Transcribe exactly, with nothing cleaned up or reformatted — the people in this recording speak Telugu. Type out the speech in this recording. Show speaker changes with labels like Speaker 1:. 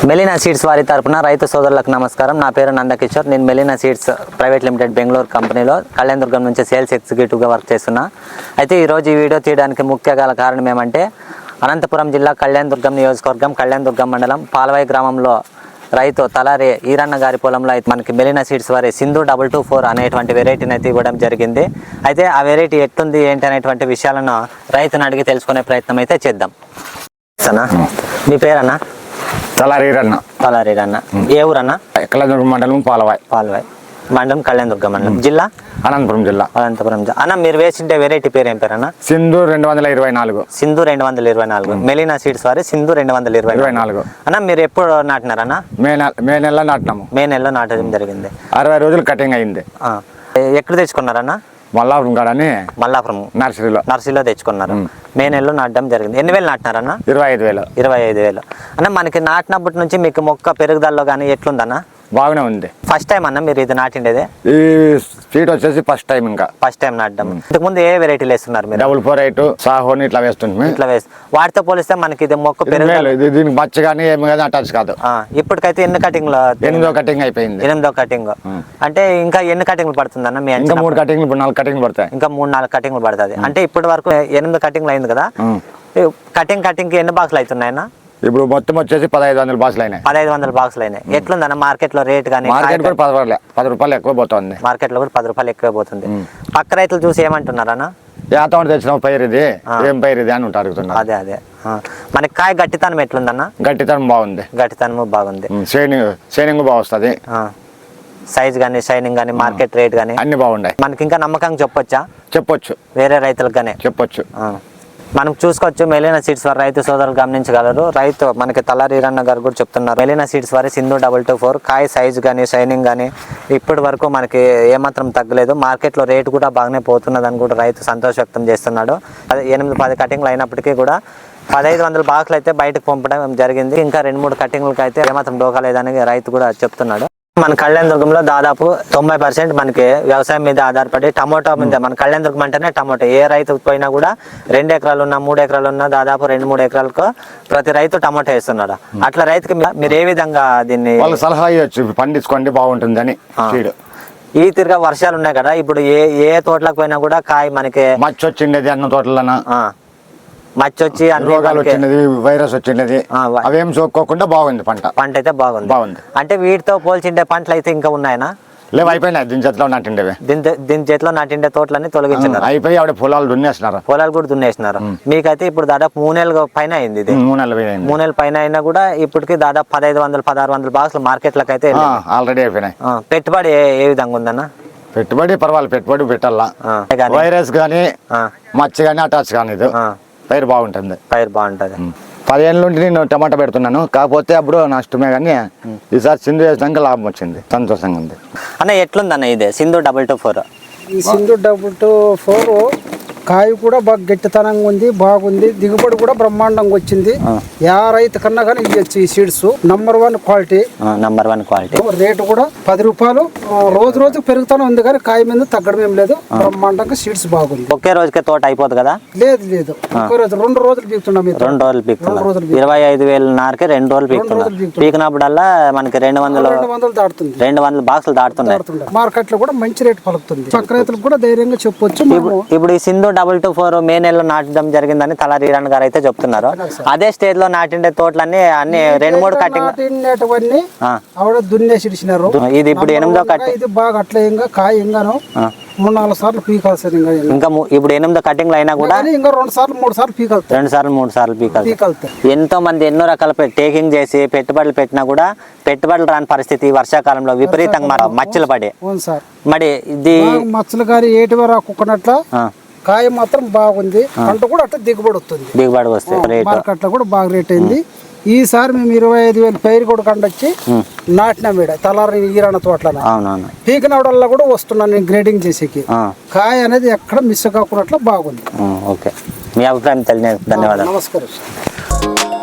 Speaker 1: మెలీనా సీడ్స్ వారి తరపున రైతు సోదరులకు నమస్కారం. నా పేరు నందకిషోర్. నేను Melina seeds private limited Bengaluru కంపెనీలో కళ్యాణదుర్గం నుంచి సేల్స్ ఎగ్జిక్యూటివ్గా వర్క్ చేస్తున్నా. అయితే ఈరోజు ఈ వీడియో తీయడానికి ముఖ్య గల కారణం ఏమంటే అనంతపురం జిల్లా కళ్యాణదుర్గం నియోజకవర్గం కళ్యాణదుర్గం మండలం పాలవాయి గ్రామంలో రైతు తలారి ఈరన్న గారి పొలంలో అయితే మనకి మెలీనా సీడ్స్ వారి సింధు డబల్ టూ ఫోర్ అనేటువంటి వెరైటీని అయితే ఇవ్వడం జరిగింది. అయితే ఆ వెరైటీ ఎట్లుంది ఏంటి అనేటువంటి విషయాలను రైతుని అడిగి తెలుసుకునే ప్రయత్నం అయితే చేద్దాం. సనా మీ పేరన్నా?
Speaker 2: తలారీరన్న.
Speaker 1: తలారీరన్న. ఏ ఊరన్న?
Speaker 2: కళ్యాణదుర్గం మండలం పాలవాయి.
Speaker 1: పాలవాయి మండలం కళ్యాణదుర్గం మండలం. జిల్లా
Speaker 2: అనంతపురం జిల్లా.
Speaker 1: అనంతపురం జిల్లా. అన్న మీరు వేసిండే వెరైటీ పేరు ఏం పేరన్నా?
Speaker 2: సింధు రెండు వందల ఇరవై నాలుగు.
Speaker 1: సింధు రెండు వందల ఇరవై నాలుగు మెలీనా సీడ్స్ వారి సింధు రెండు వందల ఇరవై
Speaker 2: ఇరవై నాలుగు.
Speaker 1: అన్న మీరు ఎప్పుడు నాటినారన్న?
Speaker 2: మే నెల మే నెలలో నాటినాము.
Speaker 1: మే నెలలో నాటడం జరిగింది.
Speaker 2: అరవై రోజులు కటింగ్ అయింది.
Speaker 1: ఎక్కడ తెచ్చుకున్నారన్న?
Speaker 2: మల్లాపురం కాడని
Speaker 1: మల్లాపురం
Speaker 2: నర్సరీలో
Speaker 1: నర్సరీలో తెచ్చుకున్నారు. మే నెలలో నాటడం జరిగింది. ఎన్ని వేలు నాటినారన్న?
Speaker 2: ఇరవై ఐదు వేలు.
Speaker 1: ఇరవై ఐదు వేలు. అన్న మనకి నాటినప్పటి నుంచి మీకు మొక్క పెరుగుదలలో కానీ ఎట్లుందన్న?
Speaker 2: బాగానే ఉంది.
Speaker 1: ఫస్ట్ టైం అన్న మీరు ఇది నాటిండేదే?
Speaker 2: ఈ సీట్ వచ్చేసి ఫస్ట్ టైం. ఇంకా
Speaker 1: ఫస్ట్ టైం నాటడం. ఇంతకుముందు ఏ వెరైటీలు వేస్తున్నారు మీరు?
Speaker 2: డబుల్ ఫోర్ ఎయిట్ సాహోని ఇట్లా వేస్తుంది.
Speaker 1: ఇట్లా వేసి వాటితో పోలిస్తే మనకి ఇది మొక్క పెరుగుదల
Speaker 2: దీనికి మచ్చ కానీ ఏమి కానీ అటాచ్ కాదు.
Speaker 1: ఇప్పటికైతే ఎన్ని కటింగ్ లో?
Speaker 2: ఎనిమిదో కటింగ్ అయిపోయింది.
Speaker 1: ఎనిమిదో కటింగ్ అంటే ఇంకా ఎన్ని కటింగ్లు పడుతుంది అన్న?
Speaker 2: ఇంకా మూడు కటింగ్లు ఇప్పుడు నాలుగు కటింగ్లు పడతాయి.
Speaker 1: ఇంకా మూడు నాలుగు కటింగ్లు పడుతుంది. అంటే ఇప్పటి వరకు ఎనిమిది కటింగ్లు అయింది కదా. కటింగ్ కటింగ్ కి ఎన్ని బాక్సులు అవుతున్నాయన్న?
Speaker 2: ఇప్పుడు మొత్తం వచ్చేసి పదహైదు వందల బాక్సులు అయినాయి.
Speaker 1: పదహైదు వందల బాక్సులు అయినాయి. ఎట్లుందన్న మార్కెట్ లో రేట్ కానీ?
Speaker 2: మార్కెట్ కూడా పది రూపాయలు పది రూపాయలు ఎక్కువ పోతుంది.
Speaker 1: మార్కెట్ లో కూడా పది రూపాయలు ఎక్కువ పోతుంది. పక్క రైతులు చూసి ఏమంటున్నారన్న?
Speaker 2: ఏతోటి తెచ్చిన పైరు ఇది ఏం పైరు ఇది అని ఉంటారు.
Speaker 1: అదే అదే మనకి కాయ గట్టితనం ఎట్లుందన్న?
Speaker 2: గట్టితనం బాగుంది.
Speaker 1: గట్టితనం బాగుంది.
Speaker 2: షైనింగ్ షైనింగ్ బాగా వస్తుంది.
Speaker 1: సైజ్ కానీ షైనింగ్ కానీ మార్కెట్ రేట్ కానీ
Speaker 2: అన్ని బాగున్నాయి.
Speaker 1: మనకి ఇంకా నమ్మకంగా చెప్పొచ్చా?
Speaker 2: చెప్పొచ్చు.
Speaker 1: వేరే రైతులకు కానీ
Speaker 2: చెప్పొచ్చు.
Speaker 1: మనం చూసుకోవచ్చు. మెలీనా సీడ్స్ వారి రైతు సోదరులు గమనించగలరు. రైతు మనకి తలారి ఈరన్న గారు కూడా చెప్తున్నారు. మెలీనా సీడ్స్ వారి సింధు డబల్ టూ ఫోర్ కాయ సైజు కానీ షైనింగ్ కానీ ఇప్పటి వరకు మనకి ఏమాత్రం తగ్గలేదు. మార్కెట్లో రేటు కూడా బాగానే పోతున్నదని కూడా రైతు సంతోష వ్యక్తం చేస్తున్నాడు. అదే ఎనిమిది పది కటింగ్లు అయినప్పటికీ కూడా పదహైదు వందల బాక్సులు అయితే బయటకు పంపడం జరిగింది. ఇంకా రెండు మూడు కటింగ్లకి అయితే ఏమాత్రం డోకాలేదని రైతు కూడా చెప్తున్నాడు. మన కళ్యాణదుర్గంలో దాదాపు తొంభై పర్సెంట్ మనకి వ్యవసాయం మీద ఆధారపడి టమోటా మీద, మన కళ్యాణదుర్గం అంటేనే టమోటా. ఏ రైతు పోయినా కూడా రెండు ఎకరాలు ఉన్నా మూడు ఎకరాలు ఉన్నా దాదాపు రెండు మూడు ఎకరాలకు ప్రతి రైతు టమోటా వేస్తున్నాడు. అట్లా రైతుకి మీరు ఏ విధంగా దీన్ని
Speaker 2: సలహా ఇవ్వచ్చు? పండించుకోండి బాగుంటుంది అని.
Speaker 1: ఈ తిరిగా వర్షాలు ఉన్నాయి కదా, ఇప్పుడు ఏ ఏ తోటలకు పోయినా కూడా కాయ మనకి
Speaker 2: మచ్చ వచ్చిండేది అన్న తోటలన్నా
Speaker 1: మచ్చ వచ్చి
Speaker 2: రోగాలు వచ్చినది వైరస్ వచ్చినది అవేం సోక్కోకుండా బాగుంది. పంట
Speaker 1: పంట అయితే బాగుంది.
Speaker 2: బాగుంది
Speaker 1: అంటే వీటితో పోల్చిండే పంటలు అయితే ఇంకా ఉన్నాయనా?
Speaker 2: లేవు, అయిపోయినాయి. దీని చేతిలో నాటిండేవి.
Speaker 1: దీని దీని చేతిలో నాటిండే తోటలన్నీ తొలగించినారు.
Speaker 2: అయిపోయి ఆవిడ పొలాలు దున్నేస్తున్నారు.
Speaker 1: పొలాలు కూడా దున్నేసినారు. మీకైతే ఇప్పుడు దాదాపు మూడు నెలల పైన అయింది. ఇది
Speaker 2: మూడు నెలలు
Speaker 1: మూడు నెలల పైన అయినా కూడా ఇప్పటికి దాదాపు పదహైదు వందలు పదహారు వందల బాక్సులు మార్కెట్లకు అయితే
Speaker 2: ఆల్రెడీ అయిపోయినాయి.
Speaker 1: పెట్టుబడి ఏ విధంగా ఉందన్న?
Speaker 2: పెట్టుబడి పర్వాలేదు, పెట్టుబడి పెట్టాలా. వైరస్ కానీ మచ్చ కానీ అటాచ్ కానీ ఇది పైరు బాగుంటుంది.
Speaker 1: పైరు బాగుంటుంది.
Speaker 2: పదిహేను నుండి నేను టమాటా పెడుతున్నాను. కాకపోతే అప్పుడు నష్టమే కానీ ఈసారి సింధు వేసినాక లాభం వచ్చింది. సంతోషంగా ఉంది.
Speaker 1: అన్న ఎట్లుందన్న ఇది సింధు డబల్ టూ ఫోర్?
Speaker 3: ఈ సింధు డబల్ టూ ఫోర్ కాయ కూడా బాగా గట్టితనంగా ఉంది, బాగుంది. దిగుబడి కూడా బ్రహ్మాండంగా వచ్చింది. యా రైతు కన్నా కానీ ఇవ్వచ్చు. ఈ seeds number one quality.
Speaker 1: Number one quality.
Speaker 3: Rate కూడా పది రూపాయలు రోజు రోజు పెరుగుతూనే ఉంది కానీ కాయ మీద తగ్గడం ఏం లేదు. బ్రహ్మాండంగా సీడ్స్ బాగుంది.
Speaker 1: ఒకే రోజుకే తోట అయిపోతుంది కదా?
Speaker 3: లేదు లేదు, ఒకే రోజు రెండు రోజులు పీకుతున్నాం.
Speaker 1: రెండు రోజులు పీకుతున్నాం. ఇరవై ఐదు వేల నారకే రెండు రోజులు పీకుతున్నాం. పీకినప్పుడల్లా మనకి రెండు వందలు
Speaker 3: రెండు వందలు దాటుతుంది.
Speaker 1: రెండు వందల బాక్సులు దాటుతున్నాయి.
Speaker 3: మార్కెట్ లో కూడా మంచి రేటు పలుకుతుంది. పక్క రైతులకు కూడా ధైర్యంగా చెప్పొచ్చు.
Speaker 1: ఇప్పుడు ఈ Sindhu double two four May నెలలో నాటడం జరిగిందని తలారి ఈరన్న గారు అయితే చెప్తున్నారు. అదే స్టేజ్ లో నాటిండే తోటలన్నీ అన్ని రెండు మూడు కటింగ్
Speaker 3: దున్నేసి ఇడిచినారు.
Speaker 1: ఇది ఇప్పుడు ఎనిమిదో కట్టింగ్.
Speaker 3: ఇది బాగా అట్లా ఇంకా కాయ ఇంగాను మూడు నాలుగు సార్లు పీకాల్సింది.
Speaker 1: ఇంకా ఇప్పుడు ఎనిమిదో కటింగ్లు అయినా కూడా
Speaker 3: ఇంకా రెండు సార్లు మూడు సార్లు పీకాలి.
Speaker 1: రెండు సార్లు మూడు సార్లు పీకాలి. ఎంతో మంది ఎన్నో రకాల టేకింగ్ చేసి పెట్టుబడులు పెట్టినా కూడా పెట్టుబడులు రాని పరిస్థితి వర్షాకాలంలో విపరీతంగా మచ్చలు పడి మరి ఇది
Speaker 3: మచ్చలు కానీ ఏటి రాకున్నట్ల కాయ మాత్రం బాగుంది. పంట కూడా అట్లా దిగుబడి వస్తుంది.
Speaker 1: దిగుబడి వస్తుంది.
Speaker 3: మార్కెట్ లో కూడా బాగా రేట్ అయింది. ఈసారి మేము ఇరవై ఐదు వేలు పైరు కూడా కండొచ్చి నాటిన మీద తలారి ఈరన్న తోటలో పీకినవడల్లా కూడా వస్తున్నాను నేను గ్రేడింగ్ చేసేకి. కాయ అనేది ఎక్కడ మిస్ కాకున్నట్లు బాగుంది.
Speaker 1: ఓకే, మీ అభిప్రాయం తెలియదు. ధన్యవాదాలు.
Speaker 3: నమస్కారం.